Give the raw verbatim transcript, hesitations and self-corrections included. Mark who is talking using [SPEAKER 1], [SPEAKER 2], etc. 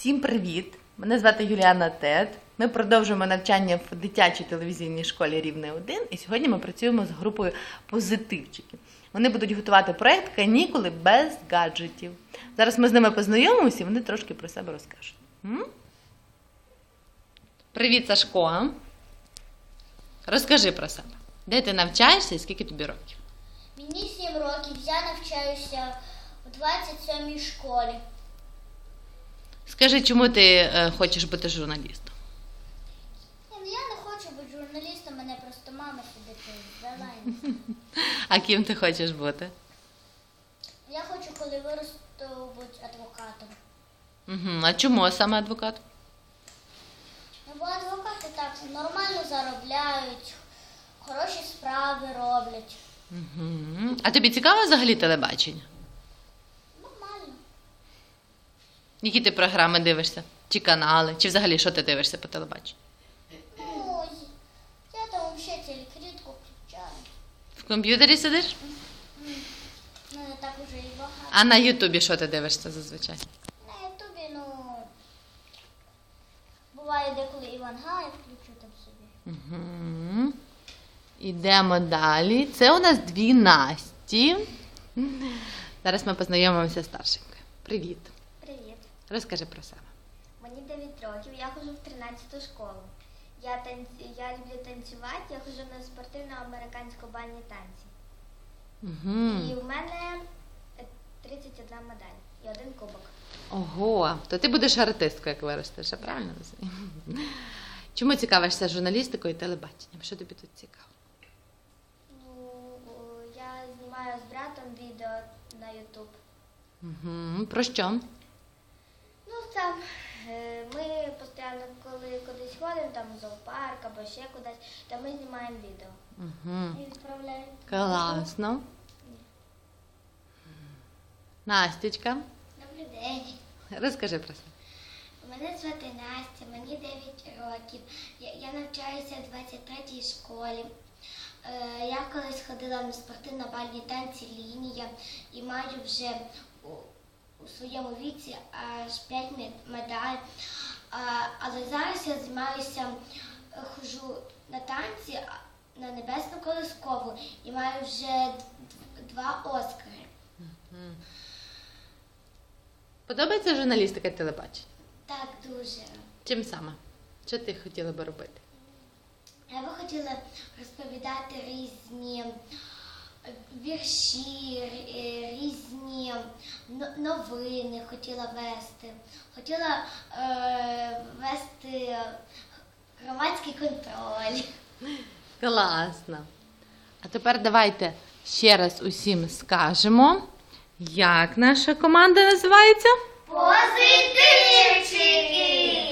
[SPEAKER 1] Всім привіт! Мене звати Юліана Тет. Ми продовжуємо навчання в дитячій телевізійній школі Рівне один, і сьогодні ми працюємо з групою позитивчиків. Вони будуть готувати проєкт «Канікули без гаджетів». Зараз ми з ними познайомимося і вони трошки про себе розкажуть. М? Привіт, Сашко! Розкажи про себе. Де ти навчаєшся і скільки тобі років?
[SPEAKER 2] Мені сім років, я навчаюся у двадцять сьомій школі.
[SPEAKER 1] Скажи, чому ти е, хочеш бути журналістом?
[SPEAKER 2] Ні, ну я не хочу бути журналістом, мене просто мама сюди завела.
[SPEAKER 1] А ким ти хочеш бути?
[SPEAKER 2] Я хочу, коли виросту, бути адвокатом.
[SPEAKER 1] Угу. А чому саме адвокат?
[SPEAKER 2] Ну, бо адвокати так нормально заробляють, хороші справи роблять.
[SPEAKER 1] Угу. А тобі цікаво взагалі телебачення?
[SPEAKER 2] Нормально.
[SPEAKER 1] Які ти програми дивишся? Чи канали? Чи взагалі що ти дивишся по телебаченню?
[SPEAKER 2] Ну, я там взагалі телекритку включаю.
[SPEAKER 1] В комп'ютері сидиш?
[SPEAKER 2] Ну, не так уже і багато.
[SPEAKER 1] А на Ютубі що ти дивишся зазвичай?
[SPEAKER 2] На ютубі, ну, буває деколи Іван Гай включу там собі.
[SPEAKER 1] Угу. Ідемо далі. Це у нас дві Насті. Зараз ми познайомимося з старшенькою. Привіт.
[SPEAKER 2] Привіт.
[SPEAKER 1] Розкажи про себе.
[SPEAKER 2] Мені дев'ять років, я ходжу в тринадцяту школу. Я, танці... я люблю танцювати, я ходжу на спортивно-американсько-бальні танці.
[SPEAKER 1] Угу.
[SPEAKER 2] І в мене тридцять одна медаль і один кубок.
[SPEAKER 1] Ого, то ти будеш артисткою, як виростеш, я правильно розумію? Чому цікавишся журналістикою і телебаченням? Що тобі тут цікаво?
[SPEAKER 2] Ну, я знімаю з братом відео на ютуб.
[SPEAKER 1] Угу. Про що?
[SPEAKER 2] Ну, там е, ми постійно, коли кудись ходимо, там в зоопарк або ще кудись, то ми знімаємо відео.
[SPEAKER 1] Угу.
[SPEAKER 2] І відправляємо.
[SPEAKER 1] Класно. Настючка,
[SPEAKER 2] Добрий день.
[SPEAKER 1] розкажи про себе.
[SPEAKER 2] Мене звати Настя, мені дев'ять років. Я, я навчаюся в двадцять третій школі. Е, я колись ходила на спортивно-бальні танці лінія і маю вже у, у своєму віці аж п'ять медалей. А, але зараз я займаюся, ходжу на танці на Небесну Колискову і маю вже два Оскари.
[SPEAKER 1] Подобається журналістика і телебачення?
[SPEAKER 2] Так, дуже.
[SPEAKER 1] Чим саме? Що ти хотіла би робити?
[SPEAKER 2] Я би хотіла розповідати різні вірші, е, різні но- новини хотіла вести. Хотіла е, вести громадський контроль.
[SPEAKER 1] Класно. А тепер давайте ще раз усім скажемо, як наша команда називається?
[SPEAKER 2] Позитивчики!